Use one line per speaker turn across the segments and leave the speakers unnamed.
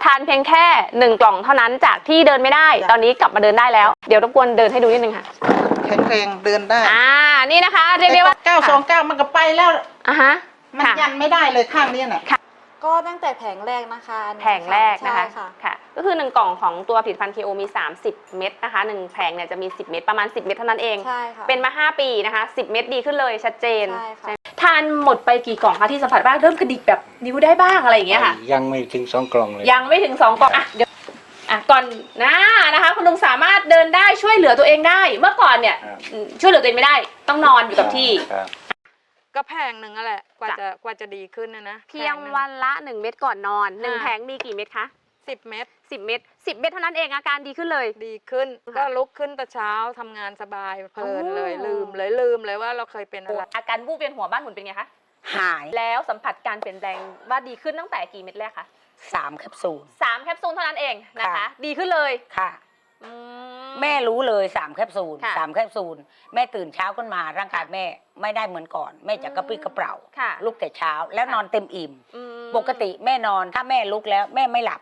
านเพียงแค่1 กล่องเท่านั้นจากที่เดินไม่ได้ตอนนี้กลับมาเดินได้แล้วเดี๋ยวรบกวนเดินให้ดูนิดนึงค่ะ
แข็งแรงเดินได้
นี่นะคะเรียกได้ว่า
929มันก็ไปแล้วมัน
ค่ะ
ยันไม่ได้เลยข้างนี้น่ะ
ก็ตั้งแต่แผงแรกนะคะ
แผงแรกนะคะค่ะก็คือ1 กล่องของตัวผลิตภัณฑ์ KO มี30 เม็ดนะคะ1แผงเนี่ยจะมี10 เม็ดประมาณ10 เม็ดเท่านั้นเอง
ใช่ค่ะ
เป็นมา5 ปีนะคะ10 เม็ดดีขึ้นเลยชัดเจน
ใช่ค่ะ
ทานหมดไปกี่กล่องคะที่สัมผัสบ้างเริ่มกระดิกแบบนิ้วได้บ้างอะไรอย่างเงี้ยค่ะ
ยังไม่ถึง2 กล่องเลย
ยังไม่ถึง2 กล่องเดี๋ยวก่อนนะคะคุณลุงสามารถเดินได้ช่วยเหลือตัวเองได้เมื่อก่อนเนี่ยช่วยเหลือตัวเองไม่ได้ต้องนอนอยู่กับที่
ก็แพงหนึ่งแหละกว่าจะดีขึ้นนะ
เพียงวันละ1 เม็ดก่อนนอน1 แผงมีกี่เม็ดคะ
10 เม็ด
10 เม็ด10 เม็ดเท่านั้นเองอาการดีขึ้นเลย
ดีขึ้นก็ลุกขึ้นแต่เช้าทำงานสบายเพลินเลยลืมเลยว่าเราเคยเป็นอะไร
อาการวูบเวียนหัวบ้านหมุนเป็นไงคะ
หาย
แล้วสัมผัสการเปลี่ยนแปลงว่าดีขึ้นตั้งแต่กี่เม็ดแรกคะ
3 แคปซูล
3 แคปซูลเท่านั้นเองนะคะดีขึ้นเลย
ค่ะแม่รู้เลย3 แคปซูล3 แคปซูลแม่ตื่นเช้าขึ้นมาร่างกายแม่ไม่ได้เหมือนก่อนแม่จะกระปรี้กระเปร่าลุกแต่เช้าแล้วนอนเต็มอิ่มปกติแม่นอนถ้าแม่ลุกแล้วแม่ไม่หลับ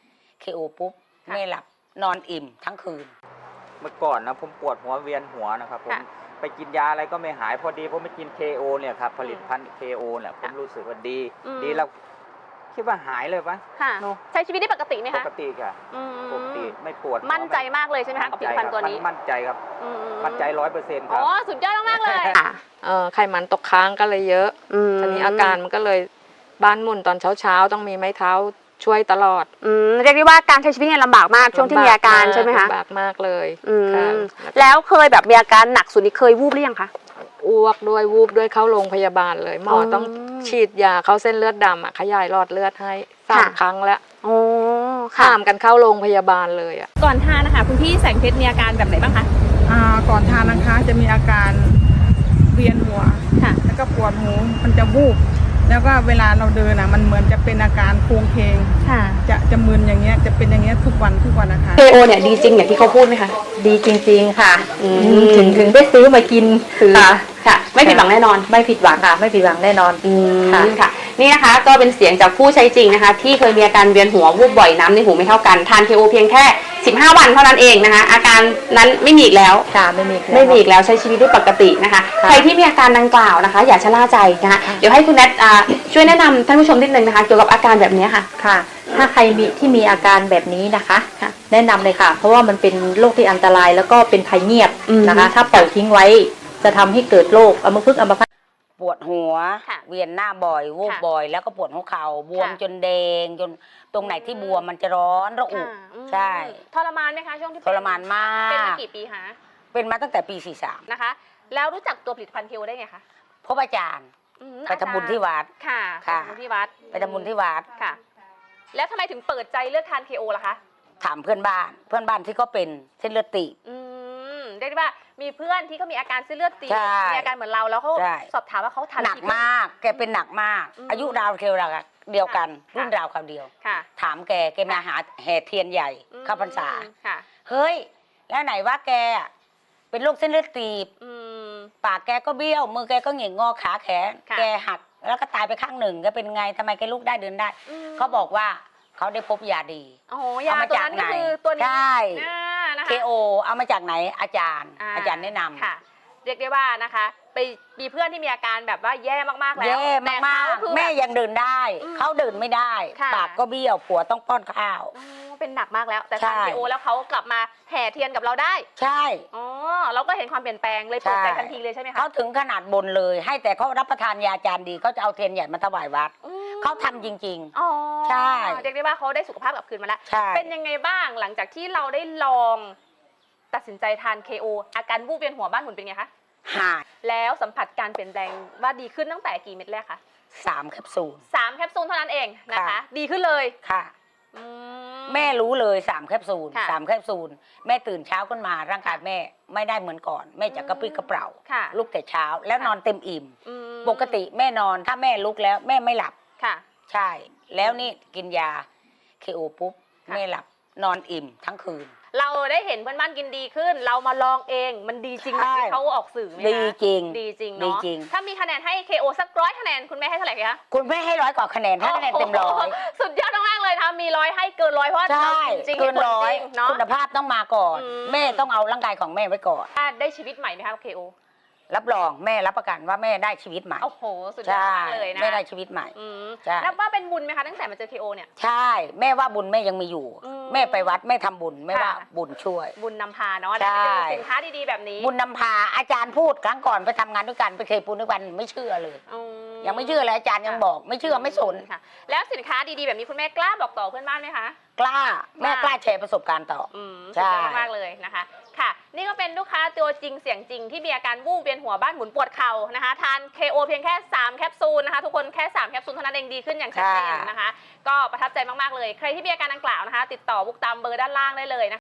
KOปุ๊บแม่หลับนอนอิ่มทั้งคืน
เมื่อก่อนนะผมปวดหัวเวียนหัวนะครับผมไปกินยาอะไรก็ไม่หายพอดีผมไปกิน KO เนี่ยครับผลิตภัณฑ์ KO เนี่ยผมรู้สึกว่าดีแล้วคิดว่าหายเลยปะ
ใช้ชีวิตได้ปกติไหมคะ
ปกติค่ะปกติไม่ปวด
มั่นใจมากเลยใช่ไหมคะกับผลิตภัณฑ์ตัวนี้
มั่นใจครับมั่นใจ100%ครับ
สุดยอดมากเลย
ไขมันตกค้างก็เลยเยอะตอนนี้อาการมันก็เลยบ้านหมุนตอนเช้าต้องมีไม้เท้าช่วยตลอด
เรียกได้ว่าการใช้ชีวิตเนี่ยลำบากมากช่วงที่มีอาการใช่ไหมคะ
ลำบากมากเลย
แล้วเคยแบบมีอาการหนักสุดนี่เคยวูบหรือยังคะ
อ้วกด้วยวูบด้วยเข้าโรงพยาบาลเลยหมอต้องฉีดยาเข้าเส้นเลือดดำขยายหลอดเลือดให้3 ครั้งแล้วข้ามกันเข้าโรงพยาบาลเลย
ก่อนทานนะคะคุณพี่แสงเพชรมีอาการแบบไหนบ้างคะ
ก่อนทานนะคะจะมีอาการเวียนหัวแล้วก็ปวดหูมันจะวูบแล้วก็เวลาเราเดินมันเหมือนจะเป็นอาการโครงเคงจะมึนอย่างเงี้ยจะเป็นอย่างเงี้ยทุกวันนะคะ
KO เนี่ยดีจริงอย่างที่เขาพูดไหมคะ
ดีจริงๆค่ะถึงได้ซื้อมากินคือ
ค่ะไม่ผิดหวังแน่นอน
ไม่ผิดหวังค่ะไม่ผิดหวังแน่นอน
ค่ะนี่นะคะก็เป็นเสียงจากผู้ใช้จริงนะคะที่เคยมีอาการเวียนหัววูบบ่อยน้ำในหูไม่เท่ากันทาน KO เพียงแค่15 วันเท่านั้นเองนะคะอาการนั้นไม่มีอีกแล้ว
ค่ะไม่มี
อีกแล้วใช้ชีวิตได้ปกตินะคะใครที่มีอาการดังกล่าวนะคะอย่าชะล่าใจนะคะเดี๋ยวให้คุณแนทช่วยแนะนำท่านผู้ชมนิดนึงนะคะเกี่ยวกับอาการแบบนี้ค่ะ
ถ้าใครมีอาการแบบนี้นะคะแนะนำเลยค่ะเพราะว่ามันเป็นโรคที่อันตรายแล้วก็เป็นภัยเงียบนะคะถ้าปล่อยทิ้งไว้จะทำให้เกิดโรคอัมพฤกษ์อัมพาตปวดหัวเวียนหน้าบ่อยวูบบ่อยแล้วก็ปวดหัวเข่าบวมจนแดงจนตรงไหนที่บวมมันจะร้อนระอุใช่
ทรมานไหมคะช่วงที่
ทรมานมาก
เป็นมากี่ปีคะ
เป็นมาตั้งแต่ปี43
นะคะแล้วรู้จักตัวผลิตภัณฑ์ KO ได้ไงคะ
พบอาจารย์ไปทำบุญที่วัด
ค่ะไปทำบุญที่วัดค่ะแล้วทำไมถึงเปิดใจเลือกทาน KO ล่ะคะ
ถามเพื่อนบ้านที่เขาเป็นเส้นเลือดตีบ
เรียกได้ว่ามีเพื่อนที่เขามีอาการเส้นเลือดตีบมีอาการเหมือนเราแล้วเขาสอบถามว่าเขาทาน
หนักมากแกเป็นหนักมากอายุราวเดียวกันรุ่นราวคราวเดียวถามแกมาหาแห่เทียนใหญ่เข้าพรรษาเฮ้ยแล้วไหนว่าแกเป็นโรคเส้นเลือดตีบปากแกก็เบี้ยวมือแกก็หงิกงอขาแขนแกหักแล้วก็ตายไปข้างหนึ่งแกเป็นไงทำไมแกลุกได้เดินได้เขาบอกว่าเขาได้พบยาดี
เอามาจากไหนตัวนี้
ใช่KOเอามาจากไหนอาจารย์แนะนำ
ค่ะเรียกได้ว่านะคะไปมีเพื่อนที่มีอาการแบบว่าแย่มากๆแล้ว
แย่มากๆแม่ยังเดินได้เขาเดินไม่ได้ปากก็เบี้ยวผัวต้องป้อนข้าว
เป็นหนักมากแล้วแต่ทาน KO แล้วเขากลับมาแห่เทียนกับเราได้
ใช่
เราก็เห็นความเปลี่ยนแปลงเลยเปิดใจทันทีเลยใช่ไหมคะ
เขาถึงขนาดบนเลยให้แต่เขารับประทานยาจานดีเขาจะเอาเทียนใหญ่มาถวายวัดเขาทำจริงๆใช่
เรียกได้ว่าเขาได้สุขภาพกลับคืนมาแล้วเป็นยังไงบ้างหลังจากที่เราได้ลองตัดสินใจทาน KO อาการวูบเวียนหัวบ้านหมุนเป็นไงคะ
หาย
แล้วสัมผัสการเปลี่ยนแปลงว่าดีขึ้นตั้งแต่กี่เม็ดแรกคะ
3 แคปซูล
3 แคปซูลเท่านั้นเองนะคะดีขึ้นเลย
ค่ะแม่รู้เลย3 แคปซูล3 แคปซูลแม่ตื่นเช้าขึ้นมาร่างกายแม่ไม่ได้เหมือนก่อนแม่จะกระปรี้กระเปร่าลุกแต่เช้าแล้วนอนเต็มอิ่มปกติแม่นอนถ้าแม่ลุกแล้วแม่ไม่หลับใช่แล้วนี่กินยาKOปุ๊บแม่หลับนอนอิ่มทั้งคืน
เราได้เห็นเพื่อนบ้านกินดีขึ้น เรามาลองเองมันดีจริงไหม
ใช่
ที่เขาออกสื่อไหมคะ
ดีจริง
ดีจริง
ดี
เนาะ
จริง
ถ้ามีคะแนนให้ KO สัก100 คะแนนคุณแม่ให้เท่าไหร่คะ
คุณแม่ให้100 กว่าคะแนนให้คะแนนเต็มร้อย
โโหสุดยอดมากๆเลยนะคะมี100ให้เกิน100เพราะว่า
ใช่
เราจริงๆ
เกิน
ให้ผล
ร้อย
จริงเนาะ
คุณภาพต้องมาก่อน
อืม
แม่ต้องเอาร่างกายของแม่ไว้ก่อน
ได้ชีวิตใหม่ไหมคะ KO
รับรองแม่รับประกันว่าแม่ได้ชีวิตใหม่
โอ้โหสุดยอด
ใช่
มากเลยนะ
แม่ได้ชีวิตใหม่
อืม
ใช่
นับว่าเป็นบุญไหมคะตั้งแต่มาเจอ KO เนี่ย
ใช่แม่ว่าบุญแม่ยังมีอยู่
อืม
แม่ไปวัดแม่ทำบุญแม่ว่า
ค่ะ
บุญช่วย
บุญนำพาเนาะ
ใช่
ได้ไปเจอสินค้าดีๆแบบนี้
บุญนำพาอาจารย์พูดครั้งก่อนไปทำงานด้วยกันไปเคยปูนด้วยกันไม่เชื่อเลย
อืม
ยังไม่เชื่อเลยอาจารย์ยังบอกไม่เชื่อไม่สน
ค่ะ แล้วสินค้าดีๆแบบนี้คุณแม่กล้าบอกต่อเพื่อนบ้านไหมคะ
กล้าแม่กล้าแชร์ประสบการณ์ต่อ
สุดยอดมากๆเลยนะคะ ค่ะ นี่ก็เป็นลูกค้าตัวจริงเสียงจริงที่มีอาการวูบเวียนหัวบ้านหมุนปวดเข่านะคะ ทาน KO เพียงแค่3แคปซูลนะคะ ทุกคนแค่3แคปซูลเท่านั้นเองดีขึ้นอย่างชัดเจนนะคะ ก็ประทับใจมากๆเลย ใครที่มีอาการดังกล่าวนะคะ ติดต่อบุกตามเบอร์ด้านล่างได้เลยนะคะ